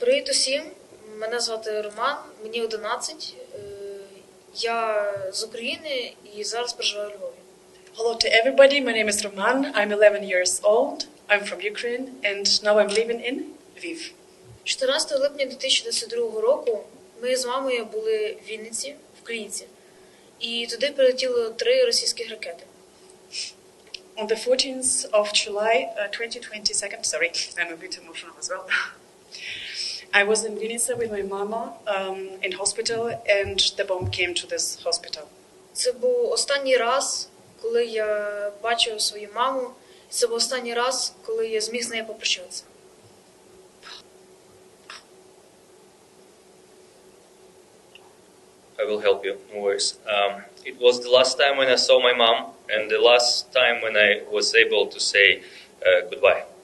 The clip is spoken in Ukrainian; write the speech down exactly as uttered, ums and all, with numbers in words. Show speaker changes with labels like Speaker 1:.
Speaker 1: Привіт усім, мене звати Роман, мені одинадцять, я з України і зараз проживаю у Львові.
Speaker 2: Hello to everybody, my name is Roman, I'm eleven years old, I'm from Ukraine and now I'm living in Lviv.
Speaker 1: чотирнадцятого липня дві тисячі двадцять другого року ми з мамою були в Вінниці, в Клініці, і туди прилетіло три російських ракети.
Speaker 2: On the fourteenth of July, uh, twenty twenty-second, sorry, I'm a bit emotional as well. I was in Vinica with my mama um, in hospital and the bomb came to this hospital.
Speaker 1: Це був останній раз, коли я бачив свою маму, і це був останній раз, коли я зміг з нею попрощатися.
Speaker 3: I will help you, no worries. Um, it was the last time when I saw my mom and the last time when I was able to say uh, goodbye.